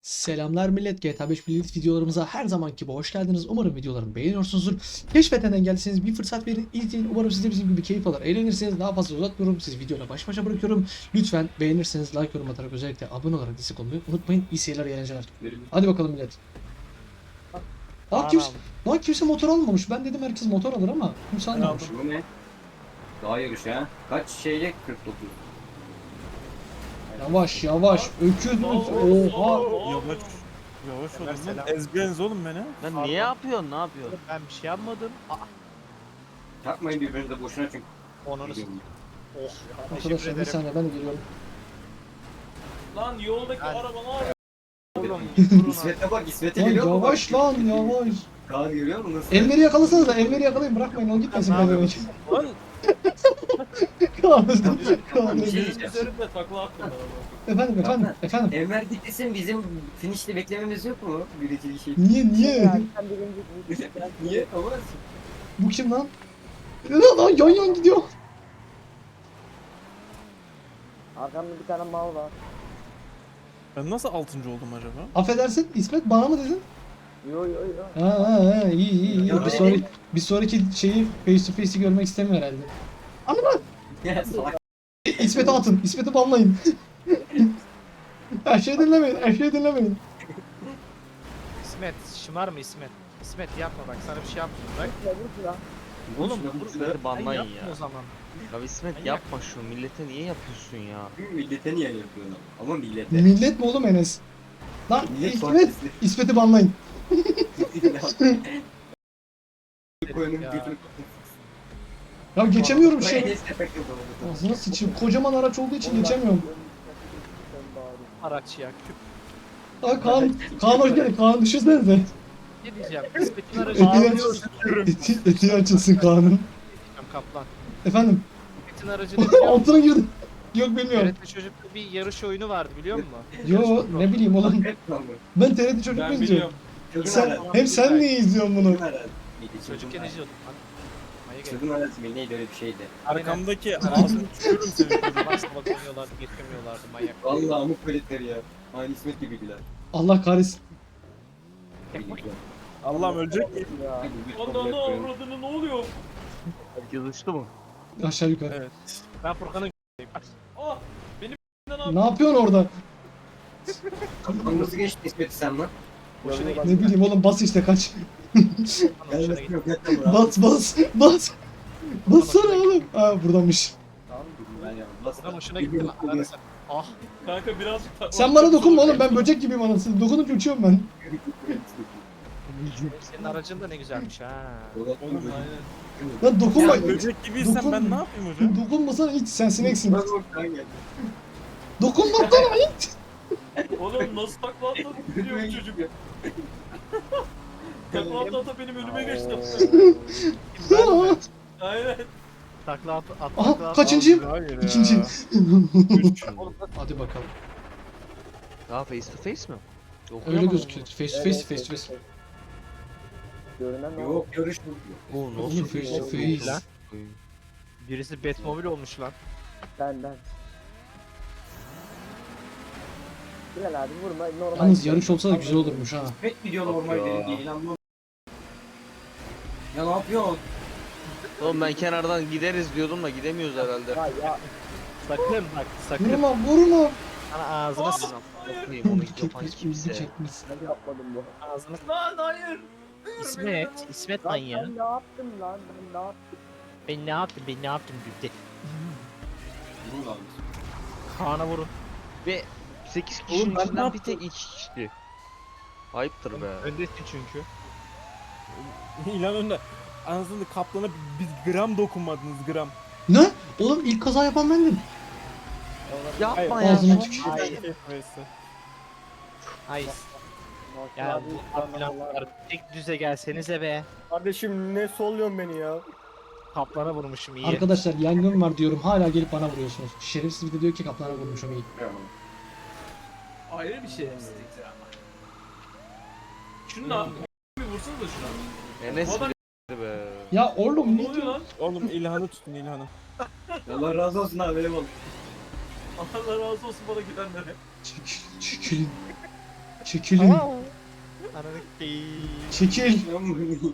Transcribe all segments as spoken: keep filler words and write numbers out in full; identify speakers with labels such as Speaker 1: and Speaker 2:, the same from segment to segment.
Speaker 1: Selamlar millet, G T A beş Playlist videolarımıza her zamanki gibi hoş geldiniz. Umarım videolarımı beğeniyorsunuzdur. Keşfeten engelliseniz bir fırsat verin, izleyin. Umarım siz de bizim gibi keyif alır, eğlenirsiniz. Daha fazla uzatmıyorum, sizi videoyla baş başa bırakıyorum. Lütfen beğenirseniz like, yorum atarak, özellikle abone olarak destek olmayı unutmayın. İyi seyirler, iyi eğlenceler. Hadi bakalım millet. Aa, kimse, lan kimse motor almamış. Ben dedim herkes motor alır ama kimse almamış.
Speaker 2: Bu ne? Daha yarış ha. Kaç şeyle kırk dokuz.
Speaker 1: Yavaş yavaş, öküz. Oha.
Speaker 3: Yavaş. Yavaş olun lan. Ezbeniz oğlum beni.
Speaker 4: Lan niye yapıyorsun? Ne yapıyorsun?
Speaker 5: Ben bir şey yapmadım. Aa,
Speaker 2: Takmayın birbirinize boşuna çünkü.
Speaker 5: onunu s- Oh. Teşekkür
Speaker 1: Arkadaşlar bir
Speaker 5: ederim.
Speaker 1: saniye, ben de geliyorum.
Speaker 6: Lan yoldaki
Speaker 5: Ben-
Speaker 6: araba var ya.
Speaker 5: Oğlum durun abi.
Speaker 2: İsmet'e bak, İsmet'e
Speaker 1: Lan
Speaker 2: geliyor mu?
Speaker 1: yavaş lan, yavaş.
Speaker 2: Kaan görüyor musun nasıl?
Speaker 1: Enver'i yakalasanız da Enver'i yakalayın, bırakmayın, o gitmesin
Speaker 5: Ne
Speaker 1: ben demek.
Speaker 3: Lan
Speaker 1: Kaan özür
Speaker 2: Bir
Speaker 1: Kaan
Speaker 2: şey
Speaker 1: özür
Speaker 2: diyeceğim.
Speaker 6: Üzerinde takla attım ben
Speaker 1: Efendim efendim efendim.
Speaker 2: Enver gitmesin, bizim finişte beklememiz yok mu? Birincili şey.
Speaker 1: Niye niye?
Speaker 2: Niye? Ama
Speaker 1: Bu kim lan? Lan lan yan yan gidiyor.
Speaker 7: Arkamda bir tane mal var.
Speaker 3: ben nasıl altıncı oldum acaba?
Speaker 1: Affedersin İsmet, bana mı dedin?
Speaker 7: Yo yo yo.
Speaker 1: Ha ha ha, iyi iyi iyi.
Speaker 2: Ya
Speaker 1: Bir
Speaker 2: ben-
Speaker 1: sonraki, bir sonraki şeyi face to face'i görmek istemiyor herhalde. Ama lan
Speaker 2: ya salak.
Speaker 1: İsmet'i atın. İsmet'i banlayın. Her şeyi dinlemeyin. Her şeyi dinlemeyin.
Speaker 5: İsmet şımarma İsmet. İsmet yapma bak, sana bir şey yapmayayım bak.
Speaker 7: Ya vur lan.
Speaker 5: Oğlum
Speaker 2: Şuna
Speaker 5: dur,
Speaker 2: vur şuna.
Speaker 5: ben
Speaker 4: Banlayın
Speaker 5: yapma
Speaker 4: ya.
Speaker 5: o zaman.
Speaker 4: Ya İsmet
Speaker 5: Manyak.
Speaker 4: yapma şu millete niye yapıyorsun ya?
Speaker 2: Millete niye yapıyorsun? Ama millete.
Speaker 1: Millet mi oğlum Enes? Lan
Speaker 2: Millet
Speaker 1: İsmet.
Speaker 2: partisi.
Speaker 1: İsmet'i banlayın.
Speaker 2: Koyunun
Speaker 5: Ya.
Speaker 2: götünü.
Speaker 1: Ya geçemiyorum şey.
Speaker 2: Enes de pek yok oldu.
Speaker 1: Ağzına sıçayım. Kocaman araç olduğu için geçemiyorum.
Speaker 5: Araç ya küp.
Speaker 1: Aa Kaan. Kaan hoş geldin. Kaan düşünsenize.
Speaker 5: Ne diyeceğim? İsmet'in aracı
Speaker 1: Eti
Speaker 5: ne
Speaker 1: açılsın. Eti, eti açılsın Kaan'ın.
Speaker 5: diyeceğim kaplan?
Speaker 1: Efendim.
Speaker 5: İsmet'in aracı ne biliyor musun?
Speaker 1: Altına girdim. Yok bilmiyorum.
Speaker 5: T R T Çocuk'ta bir yarış oyunu vardı biliyor musun?
Speaker 1: Yo ne bileyim oğlum.
Speaker 2: Hep lan bu.
Speaker 1: Ben T R T çocuk mu
Speaker 6: Ben
Speaker 1: izliyorum?
Speaker 6: biliyorum.
Speaker 2: Çılgın
Speaker 1: Sen,
Speaker 2: arazi.
Speaker 1: hem sen niye izliyorsun bunu?
Speaker 2: Çılgın arazi. Neydi? Çılgın
Speaker 5: Çocukken
Speaker 2: arazi.
Speaker 5: izliyordum lan. Manyak herif.
Speaker 2: Çılgın arazi mi? Neydi öyle bir şeydi.
Speaker 3: Arkamdaki ağzını tutuyorum seni.
Speaker 5: Sabah sabah koyuyorlardı, getirmiyorlardı manyak.
Speaker 2: Vallahi amuk veletleri ya. Aynı İsmet gibiydiler.
Speaker 1: Allah kahretsin.
Speaker 3: Allah'ım ölecek miyim?
Speaker 7: Ya.
Speaker 6: Ondan ne avradını ne oluyor?
Speaker 4: Herkes uçtu mu?
Speaker 1: Aşağı yukarı.
Speaker 3: Evet.
Speaker 5: Ben Furkan'ın
Speaker 6: Ah benim ne
Speaker 1: Ne yapıyorsun orada?
Speaker 2: Lan nasıl geçti İsmet'i sen lan?
Speaker 5: hoşuna gitti.
Speaker 1: Ne bileyim oğlum, bas işte kaç.
Speaker 5: Furkan'ın hoşuna gitti.
Speaker 2: yok yeter bırak.
Speaker 1: Bas bas bas. Bassana oğlum. Aa buradanmış.
Speaker 2: Ben ya. Bas.
Speaker 5: Furkan'ın hoşuna gitti lan. Hadi sen. Ah.
Speaker 6: Kanka birazcık takla
Speaker 1: Sen bana
Speaker 6: attım,
Speaker 1: dokunma
Speaker 6: sonra
Speaker 1: oğlum, ben
Speaker 6: kaçtım.
Speaker 1: böcek gibiyim anasını. Dokunup uçuyorum ben.
Speaker 5: Senin aracın da ne güzelmiş ha.
Speaker 3: Oğlum
Speaker 6: Aynen.
Speaker 1: Lan dokunma.
Speaker 3: ya böcek gibiysen
Speaker 1: Dokun-
Speaker 3: ben ne yapayım hocam?
Speaker 1: Dokunmasana hiç, sen sineksin.
Speaker 2: Bak oradan gel.
Speaker 1: Dokunma sana hiç.
Speaker 6: Oğlum nasıl takla attın biliyor bu çocuk. Takla atla atla benim önüme geçti.
Speaker 5: Ben mi?
Speaker 6: Aynen.
Speaker 5: Takla at, at
Speaker 1: Aha
Speaker 5: takla at.
Speaker 1: kaçıncıyım?
Speaker 3: Hayır ya.
Speaker 1: İkinci.
Speaker 3: Üç.
Speaker 1: Hadi bakalım.
Speaker 4: Daha face to face mi? Yok
Speaker 1: Öyle
Speaker 4: ama.
Speaker 1: gözüküyor. Face to face, face to face.
Speaker 7: Görünen ne
Speaker 2: Yok görüş bu.
Speaker 4: Oo
Speaker 1: Oğlum,
Speaker 4: nasıl
Speaker 1: face to
Speaker 4: face
Speaker 1: face.
Speaker 5: Lan. Birisi Batmobile olmuş lan.
Speaker 7: Ben ben. Bilal abi vurma normal.
Speaker 1: Yalnız yarış olsa da güzel olurmuş ha.
Speaker 2: İsmet mi diyor normal
Speaker 4: Yok ya.
Speaker 2: derin değil lan bu. Ya ne yapıyorsun?
Speaker 4: Oğlum ben kenardan gideriz diyordum da gidemiyoruz herhalde.
Speaker 7: Ya ya.
Speaker 5: Sakın bak sakın.
Speaker 1: Vurma vurma.
Speaker 5: Sana ağzına sıçın.
Speaker 4: Bakayım onu
Speaker 1: Uldu
Speaker 4: yapan
Speaker 1: çekmiş, uldu
Speaker 4: kimse.
Speaker 1: çekmiş.
Speaker 7: Ben yapmadım bu.
Speaker 5: Ağzına
Speaker 6: Lan hayır.
Speaker 5: İsmet. İsmet lan
Speaker 7: Lan
Speaker 5: ya.
Speaker 7: ben ne yaptım lan? Ben ne yaptım?
Speaker 5: Ben ne yaptım? Ben ne yaptım? Güzel.
Speaker 2: Vurun lan.
Speaker 5: Kaan'a vurun.
Speaker 4: Ve sekiz kişinin
Speaker 3: Oğlum ben ne
Speaker 4: içinden bir
Speaker 3: yaptım?
Speaker 4: tek iki kişi. Ayıptır be.
Speaker 5: Öndesin çünkü.
Speaker 3: İlan önde. Anasını kaplana bir gram dokunmadınız gram.
Speaker 1: Ne? Oğlum ilk kaza yapan bendim.
Speaker 4: Yapma
Speaker 3: Hayır,
Speaker 4: ya.
Speaker 1: ağzına
Speaker 3: son-
Speaker 1: tükür.
Speaker 5: Ay.
Speaker 3: Neyse.
Speaker 5: Ay.
Speaker 7: Nasıl
Speaker 5: Ya
Speaker 7: abi?
Speaker 5: bu ambulanslar tek düze gelsenize be.
Speaker 7: Kardeşim ne solluyorsun beni ya?
Speaker 5: Kaplana vurmuşum iyi.
Speaker 1: Arkadaşlar yangın var diyorum, hala gelip bana vuruyorsunuz. Şerefsiz bir de diyor ki kaplana vurmuşum iyi.
Speaker 6: Ayrı bir şey yapsızlıktır ama. Şunu da bir vursanız da şuna.
Speaker 4: Enes
Speaker 6: Bu adam-
Speaker 4: bile be.
Speaker 1: Ya oğlum
Speaker 6: Ne
Speaker 1: ne
Speaker 6: oluyor
Speaker 1: diyor?
Speaker 6: lan?
Speaker 3: Oğlum İlhan'ı tutun İlhan'ı.
Speaker 2: Allah razı olsun abi eyvallah.
Speaker 6: Allah razı olsun bana gidenlere.
Speaker 1: Çekil, çekilin. Çekilin.
Speaker 5: Ananı keyif.
Speaker 1: Çekil.
Speaker 3: Geliyor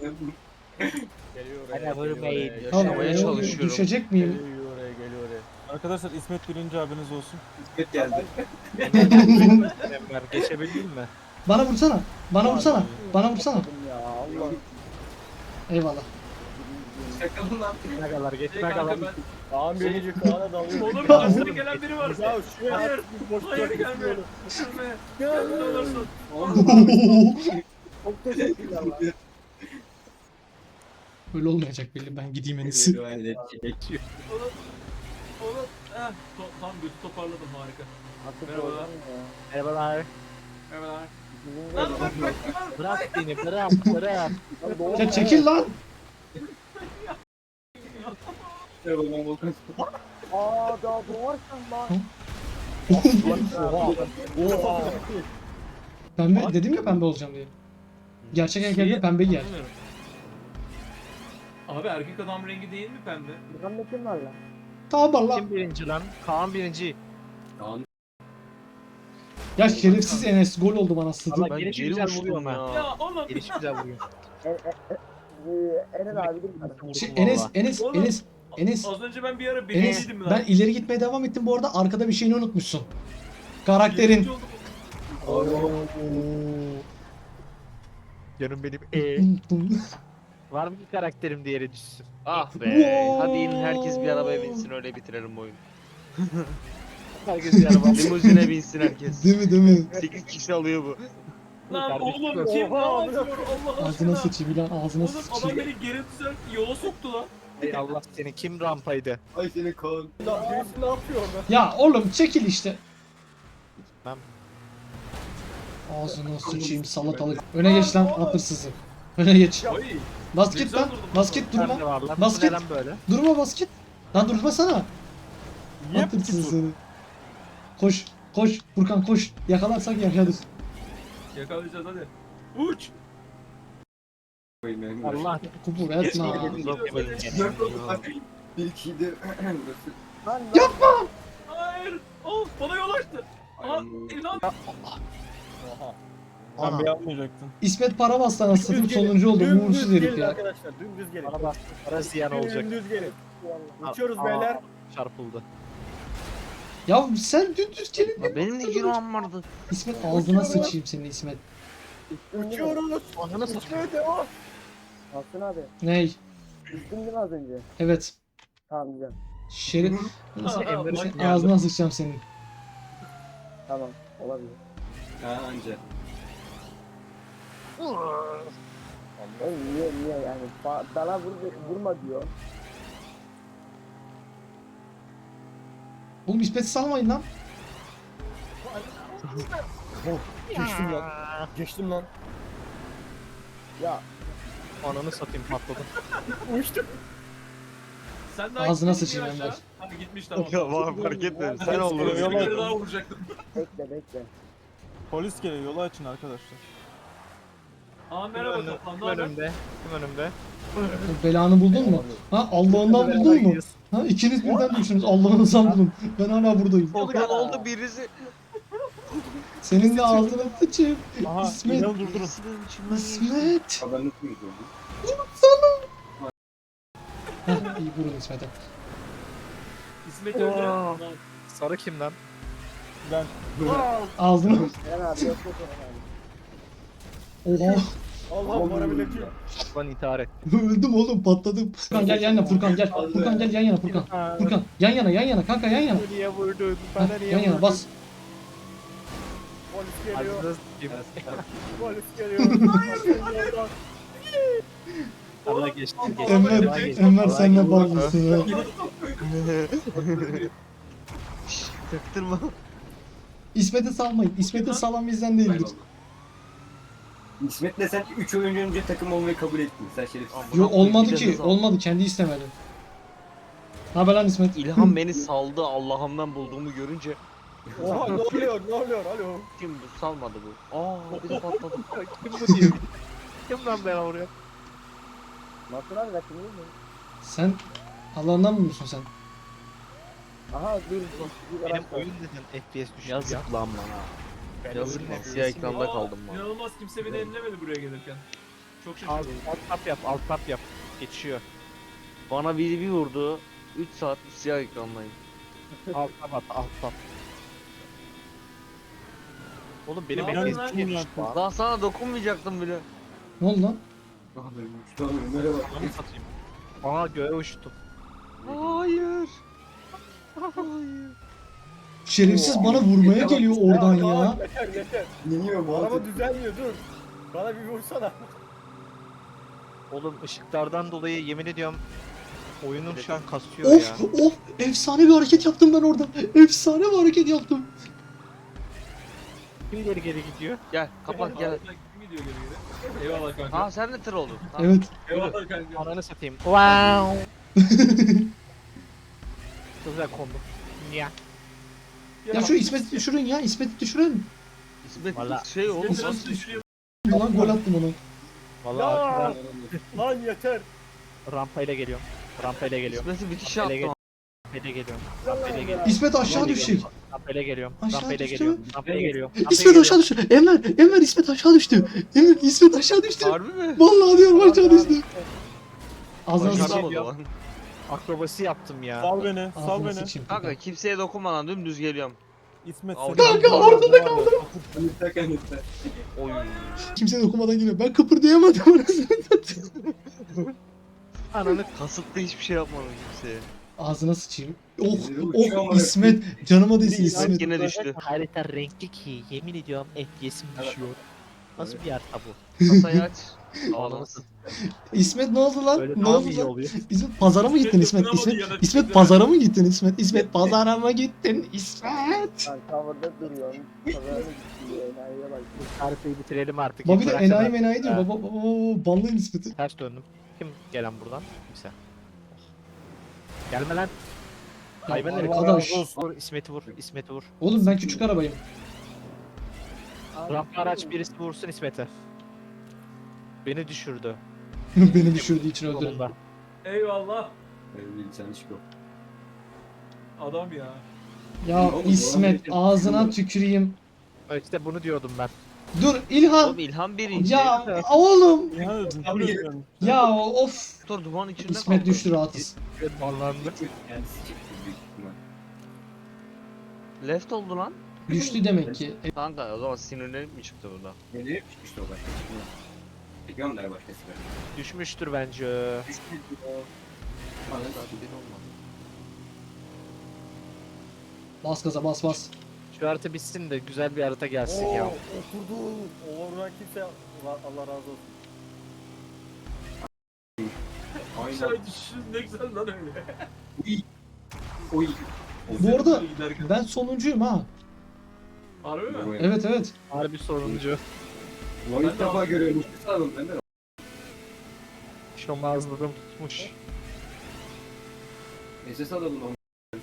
Speaker 5: Hadi
Speaker 3: oraya,
Speaker 5: vurmayın.
Speaker 3: geliyor
Speaker 1: Abi,
Speaker 4: Yaşamaya
Speaker 1: oğlum,
Speaker 4: çalışıyorum.
Speaker 1: Düşecek
Speaker 3: oraya.
Speaker 1: miyim?
Speaker 3: Geliyor oraya, geliyor oraya. Arkadaşlar İsmet birinci abiniz olsun.
Speaker 2: İsmet geldi.
Speaker 5: Enver geçebildin mi?
Speaker 1: Bana vursana. Bana vursana. Bana vursana.
Speaker 7: Ya Allah.
Speaker 1: Eyvallah.
Speaker 2: Şakalım lan.
Speaker 5: Ne kadar
Speaker 6: Şey
Speaker 5: geçme
Speaker 6: kanka
Speaker 5: kadar.
Speaker 6: ben.
Speaker 7: Kaan birinci Kaan'a dalıyor.
Speaker 6: Oğlum karşıda gelen biri var.
Speaker 7: Ya şuraya
Speaker 6: Hayır.
Speaker 7: at bir boş
Speaker 6: Hayır
Speaker 7: bırak
Speaker 6: gelme.
Speaker 7: istiyorum.
Speaker 6: Gelme.
Speaker 7: Ya.
Speaker 6: Gelme ne olursun.
Speaker 7: Çok teşekkürler lan.
Speaker 1: Öyle olmayacak belli. Ben gideyim en iyisi.
Speaker 2: Oğlum.
Speaker 6: Oğlum. Heh. To tam götü toparladım harika.
Speaker 7: Artık
Speaker 6: Merhaba.
Speaker 7: oradan ya.
Speaker 5: Merhabalar.
Speaker 6: Merhabalar.
Speaker 7: Bizim
Speaker 6: Lan
Speaker 7: de-
Speaker 6: bak bak bak.
Speaker 5: Bırak beni bırak bırak.
Speaker 7: Lan doğru
Speaker 1: Ya
Speaker 7: mu?
Speaker 1: çekil lan.
Speaker 2: Merhaba ben Volkan.
Speaker 7: Aa daha doğarsan lan.
Speaker 5: Oha.
Speaker 1: Pembe dedim ya pembe olacağım diye. Gerçek erkekler pembe giyer.
Speaker 6: Anlamıyorum. Abi erkek adam rengi değil mi pembe?
Speaker 7: Bakalım ne kim var lan?
Speaker 1: Tamam lan.
Speaker 5: Kim birinci lan? Kaan birinci.
Speaker 2: Kaan.
Speaker 1: Ya şerefsiz Enes gol oldu bana sıdı.
Speaker 5: Allah
Speaker 4: Ben
Speaker 5: gelişi
Speaker 4: geri
Speaker 5: güzel
Speaker 4: uçtum
Speaker 5: vuruyor ama.
Speaker 4: ya.
Speaker 6: Ya oğlum.
Speaker 5: Gelişi güzel vuruyor.
Speaker 7: E, e, e, e, Eren abi değil mi?
Speaker 1: Şey, Enes, Enes,
Speaker 6: Oğlum.
Speaker 1: Enes, Enes,
Speaker 6: Az önce ben bir ara
Speaker 1: Enes.
Speaker 6: birinciydim lan.
Speaker 1: Ben ileri gitmeye devam ettim bu arada. Arkada bir şeyini unutmuşsun. Karakterin.
Speaker 6: Birinci oldum.
Speaker 5: Canım benim. Ee, var mı bir karakterim diğeri düşsün?
Speaker 4: Ah be.
Speaker 1: Wow.
Speaker 4: Hadi inin herkes bir arabaya binsin öyle bitirelim bu oyunu.
Speaker 5: Herkes bir araba.
Speaker 4: Limuzine binsin herkes.
Speaker 1: Değil mi değil mi?
Speaker 4: sekiz kişi alıyor bu.
Speaker 6: Lan
Speaker 5: Kardeşim.
Speaker 6: oğlum kim ne
Speaker 7: Oha,
Speaker 6: yapıyor Allah
Speaker 1: Ağzına
Speaker 6: aşkına.
Speaker 1: sıçayım lan ağzına
Speaker 6: Oğlum adam
Speaker 1: sıçayım.
Speaker 6: beni geri düzelt yola soktu lan.
Speaker 5: Ey Allah seni kim rampaydı?
Speaker 2: Ay seni Kaan.
Speaker 7: Lan birisi ne yapıyor orada?
Speaker 1: Ya oğlum çekil işte.
Speaker 5: Ben-
Speaker 1: Ağzına sıçayım salatalık. Öne geç lan hapırsızı. Öne geç.
Speaker 6: Ay.
Speaker 1: Basket lan. Basket
Speaker 5: Nerede
Speaker 1: durma.
Speaker 5: var lan?
Speaker 1: Basket.
Speaker 5: Bu neden böyle?
Speaker 1: Durma basket. Lan durmasana.
Speaker 3: Yep.
Speaker 1: Hapırsızı. Koş. Koş. Furkan koş. Yakalarsak yaşarız.
Speaker 6: Yakalayacağız hadi. Uç.
Speaker 5: Allah.
Speaker 1: Kupur etme.
Speaker 2: Bir kişiydi.
Speaker 7: Lan
Speaker 1: Yapma.
Speaker 6: Hayır. Of bana yol açtı. Aa, İlhan.
Speaker 3: Ben beğenmeyecektim.
Speaker 1: İsmet para bastı anasını
Speaker 7: Dümdüz gelin,
Speaker 1: sonuncu oldu.
Speaker 7: dümdüz
Speaker 1: Uğursuz
Speaker 7: gelin
Speaker 1: herif ya.
Speaker 7: Arkadaşlar dümdüz gelin.
Speaker 5: Bana bak. Para ziyan olacak.
Speaker 7: Dümdüz gelin.
Speaker 5: Aa,
Speaker 7: Uçuyoruz
Speaker 5: aa,
Speaker 7: beyler.
Speaker 5: Çarpıldı.
Speaker 1: Ya sen dümdüz gelin.
Speaker 4: Ya benim de günahım vardı.
Speaker 1: İsmet ağzına sıçayım senin İsmet.
Speaker 7: Uçuyoruz.
Speaker 5: Ananı satayım.
Speaker 7: Uçmaya devam. Hasan abi.
Speaker 1: Ney?
Speaker 7: Düştün değil mi az önce?
Speaker 1: Evet.
Speaker 7: Tamam güzel.
Speaker 1: Şerif.
Speaker 5: Emre
Speaker 1: Senin
Speaker 5: geldi.
Speaker 1: ağzına sıçacağım senin.
Speaker 7: Tamam. Olabilir.
Speaker 2: Ha anca.
Speaker 7: Oğlum niye niye yani? Ba- Bana vur, vurma diyor.
Speaker 1: Oğlum İsmet'i salmayın lan.
Speaker 7: Geçtim lan. Geçtim lan. Ya
Speaker 5: Ananı satayım patladı.
Speaker 7: uçtum.
Speaker 6: Sen daha
Speaker 1: Ağzına
Speaker 6: gitmedin
Speaker 1: sıçayım
Speaker 6: mi aşağı?
Speaker 1: Enver.
Speaker 6: Hadi gitmiş tamam.
Speaker 4: Ya bana fark etmedi. Sen
Speaker 6: Hadi,
Speaker 4: oldun.
Speaker 6: bir
Speaker 3: yola-
Speaker 6: kere daha vuracaktım.
Speaker 7: Bekle bekle.
Speaker 3: Polis geliyor, yolu açın arkadaşlar.
Speaker 6: Aa merhaba kaplan ne
Speaker 5: Kim
Speaker 6: haber?
Speaker 5: önümde? Kim önümde?
Speaker 1: Belanı buldun mu? Ha Allah'ından buldun mu? Ha ikiniz birden düştünüz. Allah'ınızdan bulun. Ben hala buradayım.
Speaker 4: Volkan oldu birisi.
Speaker 1: Senin de ağzına sıçayım.
Speaker 3: Aha,
Speaker 1: İsmet.
Speaker 3: İlhan'ı durdurun.
Speaker 4: Birisinin içinden geçti.
Speaker 1: İsmet.
Speaker 2: Haber nasıl mıydı oldu?
Speaker 1: Ha iyi vurun İsmet'e.
Speaker 6: İsmet öldü.
Speaker 5: Aa. Sarı kim lan?
Speaker 3: Ben
Speaker 1: Ağzına.
Speaker 7: Eren abi yok yok Eren abi.
Speaker 1: Oha.
Speaker 7: Allah bana bile ki.
Speaker 5: Lan intihar et.
Speaker 1: Öldüm oğlum patladım. Furkan gel yan yana Furkan gel. Furkan gel yan yana Furkan. Furkan yan yana yan yana kanka yan yana.
Speaker 5: Niye vurdun?
Speaker 1: Ha, yan yana bas.
Speaker 7: Polis geliyor.
Speaker 5: Ağzına sıçayım.
Speaker 7: Polis geliyor.
Speaker 5: Allah geçti. geçti.
Speaker 1: Enver,
Speaker 5: Allah geçti.
Speaker 1: Enver
Speaker 5: Allah
Speaker 1: sen ne
Speaker 5: geçti.
Speaker 1: bağlısın ya.
Speaker 4: Çaktırma.
Speaker 1: İsmet'i salmayın. İsmet'i salan bizden değildir.
Speaker 2: İsmet'le sen üç oyun önce takım olmayı kabul ettin. Sen şerefsiz.
Speaker 1: Yok olmadı
Speaker 4: Bir de
Speaker 1: ki.
Speaker 4: hız al.
Speaker 1: Olmadı. Kendi istemedi. Ne haber lan İsmet?
Speaker 4: İlhan beni saldı Allah'ımdan bulduğumu görünce.
Speaker 7: Oha ne oluyor ne oluyor alo.
Speaker 4: Kim bu salmadı bu? Aa bir de patladı.
Speaker 5: Kim bu diyor? Kim lan ben oraya?
Speaker 7: Nasıl abi rakım değil mi?
Speaker 1: Sen Allah'ından mı musun sen?
Speaker 7: Aha dur dur. dur
Speaker 5: Benim
Speaker 7: araç var.
Speaker 5: oyun neden F P S düştü ya?
Speaker 4: Yazık lan bana. Yazık lan siyah ekranda
Speaker 6: Aa,
Speaker 4: kaldım ben.
Speaker 6: İnanılmaz kimse beni ellemedi buraya gelirken. Çok
Speaker 5: Alt,
Speaker 6: şaşırdım.
Speaker 5: alt tap yap, alt tap yap. Geçiyor.
Speaker 4: Bana biri bir vurdu. üç saat siyah ekrandayım.
Speaker 5: Alt tap at, alt tap. Oğlum benim
Speaker 6: Ne yapıyorsun
Speaker 5: elim
Speaker 6: lan?
Speaker 5: yemiş lan.
Speaker 4: Daha sana dokunmayacaktım bile.
Speaker 1: Ne oldu lan?
Speaker 2: Merhaba.
Speaker 5: Onu satayım. Aa göğe uçtum.
Speaker 4: Hayır. Hayır.
Speaker 1: Şerefsiz bana vurmaya geliyor oradan ya.
Speaker 7: Yeter yeter.
Speaker 2: İniyor bu
Speaker 7: Araba düzelmiyor dur. Bana bir vursana.
Speaker 5: Oğlum ışıklardan dolayı yemin ediyorum oyunum şu an kasıyor ya.
Speaker 1: Of of efsane bir hareket yaptım ben orada. Efsane bir hareket yaptım.
Speaker 5: Kim geri geri gidiyor?
Speaker 4: Gel kapat gel.
Speaker 6: Kim gidiyor geri geri? Eyvallah kanka.
Speaker 4: Aa sen de tır oldun. Tamam.
Speaker 1: Evet.
Speaker 6: Eyvallah kanka.
Speaker 5: Ananı satayım. Wow. Çok güzel kondum. Ya.
Speaker 1: Ya şu İsmet'i düşürün ya. İsmet'i düşürün.
Speaker 4: İsmet
Speaker 5: Valla.
Speaker 4: şey oğlum.
Speaker 6: Seni nasıl düşürüyor?
Speaker 1: Lan gol attım ona.
Speaker 5: Vallahi ben
Speaker 7: Lan yeter.
Speaker 5: rampayla geliyorum. Rampayla geliyorum.
Speaker 4: İsmet'i bitiş
Speaker 5: Rampayla
Speaker 4: yaptım.
Speaker 5: Rampayla geliyorum. Rampayla geliyorum.
Speaker 1: İsmet aşağı düşecek.
Speaker 5: Rampayla geliyorum.
Speaker 1: Aşağı
Speaker 5: Rampayla
Speaker 1: düştü
Speaker 5: geliyorum.
Speaker 1: mü?
Speaker 5: Rampayla geliyorum.
Speaker 1: İsmet aşağı düştü. Enver, Enver İsmet aşağı düştü. Enver İsmet aşağı düştü.
Speaker 4: Harbi mi?
Speaker 1: Vallahi diyorum aşağı düştü. Ağzına
Speaker 5: Başaramadım.
Speaker 1: sıçayım.
Speaker 4: Başaramadı lan.
Speaker 5: Akrobasi yaptım ya.
Speaker 3: Sal beni, sal
Speaker 1: Ağzına
Speaker 3: beni.
Speaker 1: sıçayım.
Speaker 4: Kanka kimseye dokunmadan dümdüz geliyorum.
Speaker 3: İsmet
Speaker 4: Al.
Speaker 3: seni.
Speaker 1: Kanka, ortada
Speaker 3: kaldım.
Speaker 4: Oy.
Speaker 1: Kimse dokunmadan geliyor. Ben kıpırdayamadım anasını satayım.
Speaker 5: Ananı
Speaker 4: Kasıtlı hiçbir şey yapmadım kimseye.
Speaker 1: Ağzına sıçayım. Oh oh İsmet. Canıma değsin
Speaker 4: İsmet
Speaker 1: İsmet.
Speaker 4: yine düştü.
Speaker 5: harita renkli ki yemin ediyorum F P S'im düşüyor. Nasıl bir harita bu?
Speaker 4: Kasayı aç. Ağlamasın.
Speaker 1: İsmet ne oldu lan?
Speaker 5: Böyle
Speaker 1: Ne
Speaker 5: daha mı
Speaker 1: oldu
Speaker 5: iyi
Speaker 1: lan?
Speaker 5: oluyor?
Speaker 1: İsmet pazara mı gittin İsmet?
Speaker 6: dokunamadı
Speaker 1: İsmet,
Speaker 6: ya da
Speaker 1: İsmet
Speaker 6: kimse-
Speaker 1: pazara mı gittin İsmet? İsmet pazara mı gittin İsmet?
Speaker 7: Lan tavırda duruyorsun. Pazara mı gidiyor? Enayiye bak.
Speaker 5: Haritayı bitirelim artık.
Speaker 1: Baba bir de
Speaker 5: Bıraksana.
Speaker 1: enayi menayi diyor.
Speaker 5: Ha.
Speaker 1: Baba baba baba banlayın İsmet'i.
Speaker 5: Ters döndüm. Kim gelen buradan? Kimse. Gelme lan. Hayvan herif.
Speaker 1: arkadaş.
Speaker 5: Vur İsmet'i vur. İsmet'i vur.
Speaker 1: Oğlum ben küçük arabayım.
Speaker 5: Rampa araç birisi vursun İsmet'e. Beni düşürdü.
Speaker 1: Beni düşürdüğü için öldürdü.
Speaker 5: Yolunda.
Speaker 6: Eyvallah. Adam ya.
Speaker 1: Ya İsmet ağzına tüküreyim.
Speaker 5: İşte bunu diyordum ben.
Speaker 1: Dur İlhan.
Speaker 4: Oğlum İlhan birinci.
Speaker 1: Ya oğlum.
Speaker 3: Ya düzgün.
Speaker 1: Ya of.
Speaker 4: Motor duman içinde
Speaker 1: İsmet
Speaker 4: kaldı.
Speaker 1: düştü rahatız.
Speaker 5: Ballandı.
Speaker 4: Left oldu lan.
Speaker 1: Düştü demek ki. E,
Speaker 4: Kanka o zaman sinirlenip mi çıktı burada?
Speaker 2: Nereye çıkmıştı o başka? Bekliyorum der başkası.
Speaker 5: Düşmüştür bence.
Speaker 1: Bas gaza bas bas.
Speaker 5: Şu harita bitsin de güzel bir harita gelsin ya.
Speaker 7: Oo, oturdu. O vuran kimse Allah, Allah razı olsun.
Speaker 6: Aşağı düşüşün ne güzel lan öyle.
Speaker 2: Oy.
Speaker 1: Bu arada
Speaker 6: Giderken.
Speaker 1: ben sonuncuyum ha.
Speaker 6: Harbi mi?
Speaker 1: Evet evet.
Speaker 5: Harbi soruncu.
Speaker 2: Ulan ilk defa görüyorum. Sağ olun ben de.
Speaker 5: Şomazladım tutmuş.
Speaker 2: S S alalım onu.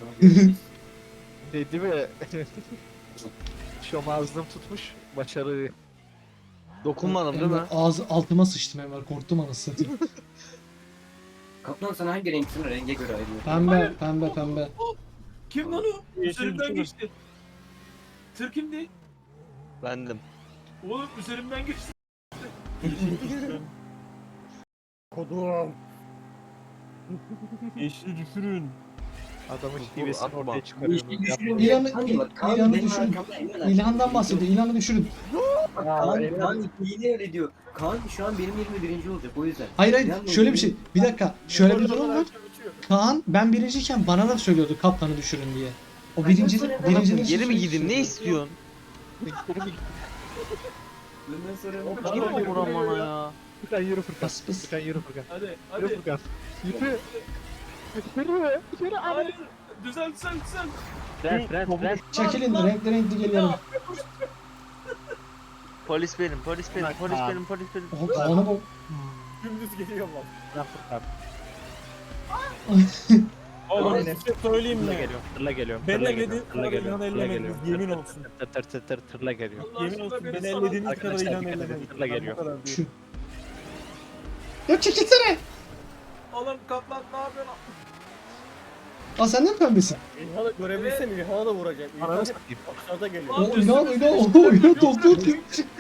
Speaker 5: Dedi mi? Şomazlığım tutmuş. Başarı.
Speaker 4: Dokunmadım değil mi?
Speaker 1: Enver, ağzı altıma sıçtım Enver. Korktum anasını satayım.
Speaker 2: Kaplan sen hangi renksin? Renge göre ayrılıyor.
Speaker 1: Pembe pembe pembe.
Speaker 6: Kim lan o?
Speaker 3: Yeşil
Speaker 6: Üzerimden
Speaker 3: düşürün.
Speaker 6: geçti. Tır kimdi?
Speaker 4: Bendim.
Speaker 6: Oğlum üzerimden geçti.
Speaker 7: Kodum.
Speaker 3: Yeşili düşürün.
Speaker 5: Adamın
Speaker 4: Dur,
Speaker 5: şivesini
Speaker 4: atma.
Speaker 5: ortaya çıkarıyorum.
Speaker 2: düşürün.
Speaker 1: İlanı-
Speaker 2: Hangi bak? Kaan
Speaker 1: İlanı
Speaker 2: benim
Speaker 1: düşürün.
Speaker 2: arkamda Emre var.
Speaker 1: İlhan'dan bahsediyor. İlhan'ı düşürün.
Speaker 2: Bak,
Speaker 5: Ya,
Speaker 2: Kaan,
Speaker 5: Emre-
Speaker 2: Kaan yine öyle diyor. Kaan şu an benim yerime birinci olacak o yüzden.
Speaker 1: Hayır hayır.
Speaker 2: İlhan
Speaker 1: Şöyle bir
Speaker 2: benim-
Speaker 1: şey. Bir dakika. Şöyle bir durum var. Kaan ben birinciyken bana da söylüyordu kaptanı düşürün diye. O birinci birincinin
Speaker 4: Geri mi gideyim? Ne istiyorsun?
Speaker 2: Bundan sonra
Speaker 5: O-
Speaker 4: Kim
Speaker 5: Yürü,
Speaker 4: bu vuran
Speaker 5: yürü,
Speaker 4: bana
Speaker 5: yürü.
Speaker 4: ya?
Speaker 5: Furkan yürü Furkan.
Speaker 1: Pıs pıs.
Speaker 5: Furkan yürü Furkan.
Speaker 6: Hadi
Speaker 5: Yürü
Speaker 6: hadi.
Speaker 5: Furkan. Yürü. Yürü. Yürü abi.
Speaker 6: Hayır. Düzel düzel düzel.
Speaker 5: Fren fren fren.
Speaker 1: Çekilin renkli renkli geliyorum.
Speaker 4: Polis benim, polis benim,
Speaker 5: Bak,
Speaker 4: polis
Speaker 5: abi.
Speaker 4: benim, polis benim.
Speaker 1: Oha Kaan'a bak.
Speaker 7: Dümdüz geliyor lan.
Speaker 5: Fren Furkan.
Speaker 3: Oğlum
Speaker 5: Aynen.
Speaker 3: bir şey söyleyeyim
Speaker 5: Tırla
Speaker 3: mi?
Speaker 5: geliyorum. Tırla geliyorum.
Speaker 3: Beni
Speaker 5: Tırla
Speaker 3: elledin,
Speaker 5: geliyorum. Tırla
Speaker 3: sonra
Speaker 5: geliyorum.
Speaker 3: İlhan'ı
Speaker 5: Tırla
Speaker 3: ellemediniz,
Speaker 5: geliyorum.
Speaker 3: yemin
Speaker 5: Tır
Speaker 3: olsun.
Speaker 5: tır tır tır tır tırla geliyor.
Speaker 6: Allah
Speaker 3: Yemin
Speaker 6: aşkına
Speaker 3: olsun
Speaker 6: beni
Speaker 3: beni
Speaker 6: sana-
Speaker 3: ellediğiniz kadar
Speaker 5: Arkadaşlar,
Speaker 3: İlhan'ı
Speaker 5: dikkat edin,
Speaker 3: ellemediniz.
Speaker 5: tırla
Speaker 3: Ben bu
Speaker 5: geliyor.
Speaker 3: kadar
Speaker 1: Şu.
Speaker 3: diyorum.
Speaker 1: Ya çekilsene.
Speaker 6: Oğlum kaplan ne yapıyorsun?
Speaker 1: Aa sen de mi pembesin?
Speaker 7: İlhan'ı görebilsem İlhan'a da vuracak. İlhan
Speaker 5: Ananı
Speaker 7: hep
Speaker 5: satayım.
Speaker 7: aşağıda geliyor.
Speaker 1: O inan inan o inan doktor kim?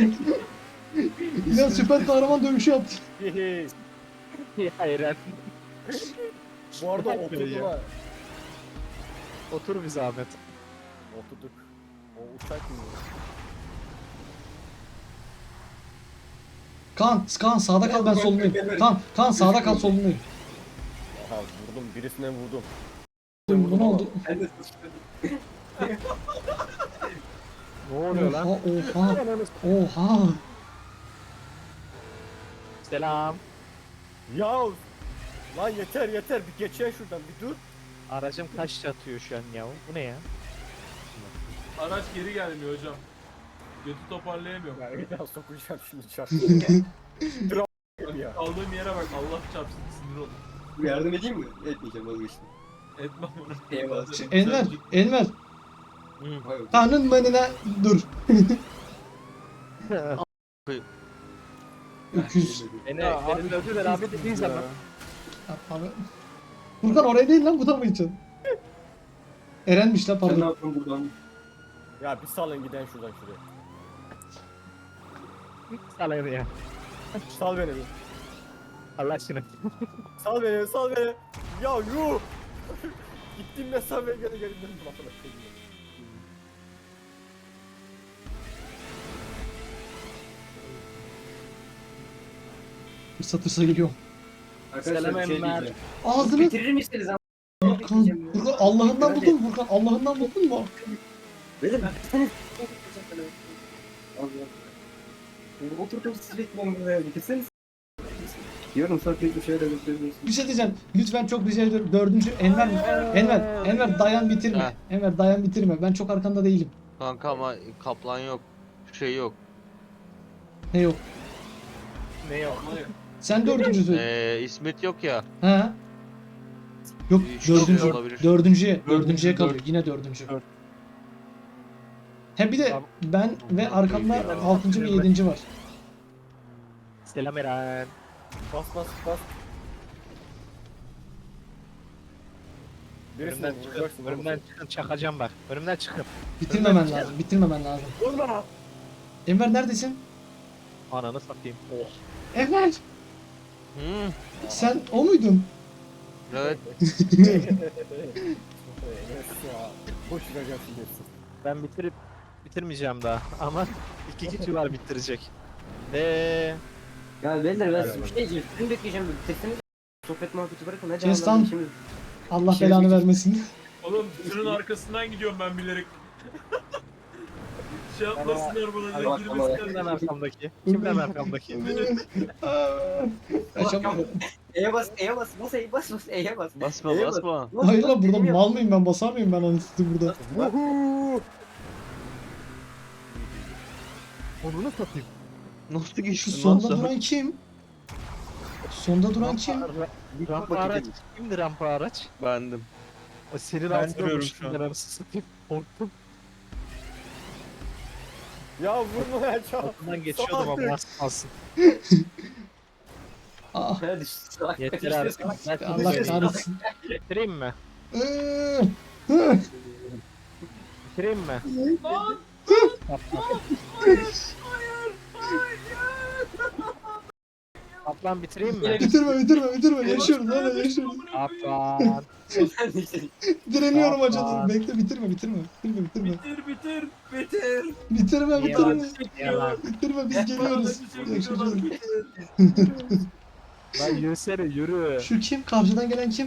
Speaker 1: İnan süper kahraman dövüşü yaptı.
Speaker 7: Hehe.
Speaker 5: Ya Eren.
Speaker 7: Bu arada oturdular.
Speaker 5: Otur bir zahmet.
Speaker 7: Oturduk. O uçak mı?
Speaker 1: Kaan, Kaan sağda kal ben solundayım. Kaan, Kaan sağda kal solundayım.
Speaker 7: Aha vurdum birisine vurdum.
Speaker 1: Bu ne oldu?
Speaker 2: Ben de sıçtım.
Speaker 5: Ne oluyor lan?
Speaker 1: Oha, oha, oha.
Speaker 5: Selam.
Speaker 7: Ya lan yeter yeter bir geçen şuradan bir dur.
Speaker 5: Aracım kaç atıyor şu an ya? Bu ne ya?
Speaker 6: Araç geri gelmiyor hocam. Götü toparlayamıyorum.
Speaker 7: Ya bir daha sokacağım şimdi çarptım. ya.
Speaker 6: Kaldığım yere bak Allah çarpsın sinir oldum.
Speaker 2: Bu yardım edeyim mi? Etmeyeceğim vazgeçtim.
Speaker 6: Etmem onu.
Speaker 2: Eyvallah.
Speaker 1: Şu Enver, Enver.
Speaker 2: Vay be.
Speaker 1: Kaan'ın manına dur. Öküz.
Speaker 5: Beni, beni dövdüler abi dediğin zaman.
Speaker 1: Abi. Furkan oraya değil lan bu da mı için? Eren'miş lan
Speaker 2: Sen ne
Speaker 1: pardon.
Speaker 2: yaptın buradan?
Speaker 7: Ya bir salın giden şuradan şuraya.
Speaker 5: Salak ya.
Speaker 7: Sal beni bir.
Speaker 5: Allah aşkına.
Speaker 7: Sal beni sal beni. Ya yuh. Gittiğim mesafeye geri geri döndüm arkadaşlar.
Speaker 1: Fırsa tırsa geliyor.
Speaker 2: Arkadaşlar
Speaker 5: Selam
Speaker 2: bir şey
Speaker 5: Enver.
Speaker 2: diyeceğim.
Speaker 1: Ağzını
Speaker 2: Bitirir misiniz ama?
Speaker 1: Furkan, Furkan Allah'ından buldun mu Furkan? Allah'ından buldun mu?
Speaker 2: Verin ben bir tane Allah. Şimdi oturdum siz bekliyorum buraya. Bitirseniz. Diyorum sonra bir şeyler gösteriyorsunuz.
Speaker 1: Bir şey diyeceğim. Lütfen çok rica ediyorum. Dördüncü Enver mi? Enver, Enver dayan bitirme.
Speaker 4: Ha.
Speaker 1: Enver dayan bitirme. Ben çok arkanda değilim.
Speaker 4: Kanka ama kaplan yok. Şey yok.
Speaker 1: Ne yok?
Speaker 5: Ne yok?
Speaker 1: Sen dördüncüsün.
Speaker 4: Ee, İsmet yok ya.
Speaker 1: Ha? Yok
Speaker 4: Üç
Speaker 1: dördüncü.
Speaker 4: kişi olabilir.
Speaker 1: Dördüncüye.
Speaker 5: Dördüncü,
Speaker 1: Dördüncüye kalıyor.
Speaker 5: dört.
Speaker 1: Yine dördüncü.
Speaker 5: Dört.
Speaker 1: He bir de ben ve arkamda altıncı ve yedinci var.
Speaker 5: Selam Eren.
Speaker 7: Bas bas bas. Birisine
Speaker 5: Önümden çıkın.
Speaker 7: vuracaksın.
Speaker 5: Önümden çıkın. Çakacağım bak. Önümden çıkın.
Speaker 1: Bitirmemen lazım. Bitirmemen lazım.
Speaker 7: Vurma.
Speaker 1: Enver neredesin?
Speaker 5: Ananı satayım. Oh.
Speaker 1: Enver
Speaker 4: Hmm.
Speaker 1: sen o muydun?
Speaker 4: Evet.
Speaker 7: Evet ya. Boş vereceğim şimdi hepsini.
Speaker 5: Ben bitirip bitirmeyeceğim daha. Ama iki kişi var bitirecek. Eee
Speaker 2: Ya beyler ben
Speaker 7: Helal
Speaker 2: bir şey diyeceğim. Sizin bekleyeceğim. Bitirseniz. Sohbet muhabbeti bırakın. Hadi
Speaker 1: Kes
Speaker 2: Allah'ım
Speaker 1: lan.
Speaker 2: işimiz.
Speaker 1: Allah
Speaker 2: Şey
Speaker 1: belanı
Speaker 2: diyeceğim.
Speaker 1: vermesin.
Speaker 6: Oğlum tırın arkasından gidiyorum ben bilerek. şey yapmasınlar bana diye
Speaker 2: Bak,
Speaker 6: girmesinler.
Speaker 5: kimden arkamdaki? Kimden arkamdaki?
Speaker 1: Kaçamadım.
Speaker 2: E'ye bas, E'ye bas, bas, E'ye bas, bas, E'ye bas.
Speaker 4: Basma
Speaker 2: E'ye bas.
Speaker 4: basma.
Speaker 2: Bas,
Speaker 1: Hayır
Speaker 2: bas,
Speaker 1: lan burada
Speaker 2: dediğimi yap.
Speaker 1: mal mıyım ben basar mıyım ben anasını burada.
Speaker 7: Vuhuu.
Speaker 5: Onu satayım.
Speaker 4: Nasıl
Speaker 1: Şu
Speaker 4: geçtin
Speaker 1: sonda
Speaker 4: lan sen?
Speaker 1: duran kim? Sonda duran kim?
Speaker 5: Rampa araç. Kimdi rampa araç?
Speaker 4: Bendim.
Speaker 5: O senin
Speaker 3: Ben
Speaker 5: altında
Speaker 3: duruyorum
Speaker 5: olmuş.
Speaker 3: şu an.
Speaker 5: Ben anasını satayım. Korktum.
Speaker 7: Ya vurma ya çal.
Speaker 5: Altından geçiyordum ama az kalsın.
Speaker 1: Aa,
Speaker 2: Ha, düştü, salak.
Speaker 5: Yeter artık. Ben
Speaker 1: Allah
Speaker 5: bitireyim.
Speaker 1: kahretsin.
Speaker 5: Bitireyim mi?
Speaker 1: Iıı, hı.
Speaker 5: Bitireyim mi?
Speaker 6: Lan!
Speaker 5: Kaplan bitireyim mi?
Speaker 1: Bitirme bitirme bitirme yaşıyoruz hala yaşıyoruz.
Speaker 5: Kaplan.
Speaker 1: Direniyorum
Speaker 5: Yapma.
Speaker 1: acıdan. Bekle bitirme bitirme. Bitirme bitirme.
Speaker 6: Bitir bitir bitir.
Speaker 1: Bitirme
Speaker 5: Niye
Speaker 1: bitirme.
Speaker 5: lan? Niye lan?
Speaker 1: Bitirme biz geliyoruz. Yaşayacağız.
Speaker 5: Lan yürüsene yürü.
Speaker 1: Şu kim? Karşıdan gelen kim?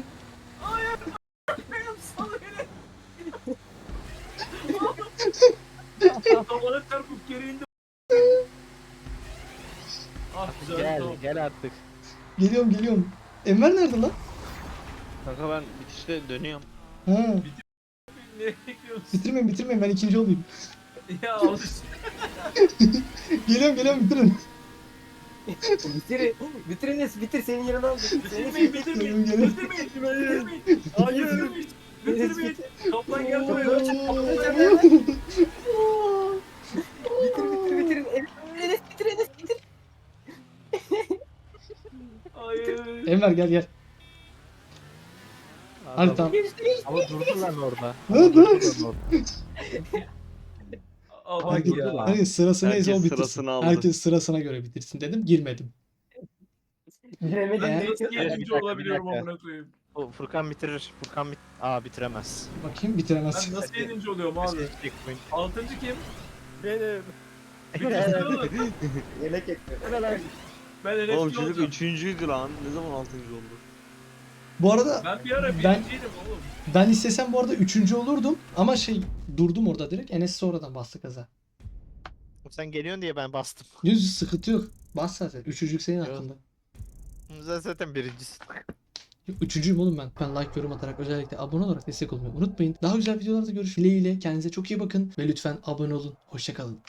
Speaker 6: Tavana çarpıp geri indim. Ah güzel
Speaker 5: Gel
Speaker 6: tamam.
Speaker 5: gel artık.
Speaker 1: Geliyorum geliyorum. Enver nerede lan?
Speaker 4: Kanka ben bitişte dönüyorum.
Speaker 1: Ha.
Speaker 6: Ne bekliyorsun?
Speaker 1: Bitirmeyin bitirmeyin ben ikinci olayım.
Speaker 6: Ya al işte.
Speaker 1: Geliyorum geliyorum bitirin.
Speaker 2: Bitir, bitiriniz, bitir senin yerine al.
Speaker 6: Bitirmeyin bitirmeyin.
Speaker 1: Geliyorum.
Speaker 6: Bitirmeyin. Bitirmeyin.
Speaker 7: Hayır.
Speaker 6: Bitirmeyin. Bitirmeyin. Kaplan gel buraya.
Speaker 2: Bitir, bitir, bitir. Enes, bitir, Enes, bitir.
Speaker 6: Hayır.
Speaker 1: Enver gel gel. Hadi tamam.
Speaker 5: Ama durdu lan orada.
Speaker 1: Hadi.
Speaker 5: Durdu lan orada.
Speaker 6: Aa, bak
Speaker 1: Herkes,
Speaker 6: ya.
Speaker 1: herkes sırası neyse o
Speaker 4: Herkes
Speaker 1: bitirsin.
Speaker 4: sırasını aldı.
Speaker 1: Herkes sırasına göre bitirsin dedim. Girmedim.
Speaker 2: Giremedim.
Speaker 6: Ben
Speaker 2: Ne
Speaker 6: nasıl
Speaker 2: yapıyorsun?
Speaker 5: Bir
Speaker 6: yedinci
Speaker 5: dakika,
Speaker 6: olabiliyorum
Speaker 5: bir dakika.
Speaker 6: amına koyayım?
Speaker 5: O Furkan bitirir. Furkan bit Aa bitiremez.
Speaker 1: Bakayım bitiremez.
Speaker 6: Ben nasıl yedinci oluyorum abi?
Speaker 5: Checkpoint.
Speaker 6: Altıncı kim?
Speaker 7: Benim.
Speaker 6: Bitirsin oğlum.
Speaker 2: Yemek ekliyor.
Speaker 7: Ne lan?
Speaker 6: Ben N F C
Speaker 4: Oğlum çocuk
Speaker 6: olacağım.
Speaker 4: üçüncüydü lan. Ne zaman altıncı oldu?
Speaker 1: Bu arada
Speaker 6: Ben bir ara
Speaker 1: Ben-
Speaker 6: birinciydim oğlum.
Speaker 1: ben istesem bu arada üçüncü olurdum. Ama şey durdum orada direkt. Enes sonradan bastı kaza.
Speaker 5: Sen geliyorsun diye ben bastım.
Speaker 1: Yüz sıkıntı yok. Bas zaten. Üçüncülük senin
Speaker 5: Yok.
Speaker 1: hakkında.
Speaker 5: Sen zaten birincisin.
Speaker 1: Üçüncüyüm oğlum ben. Ben like, yorum atarak özellikle abone olarak destek olmayı unutmayın. Daha güzel videolarda görüşmek dileğiyle. Kendinize çok iyi bakın. Ve lütfen abone olun. Hoşçakalın.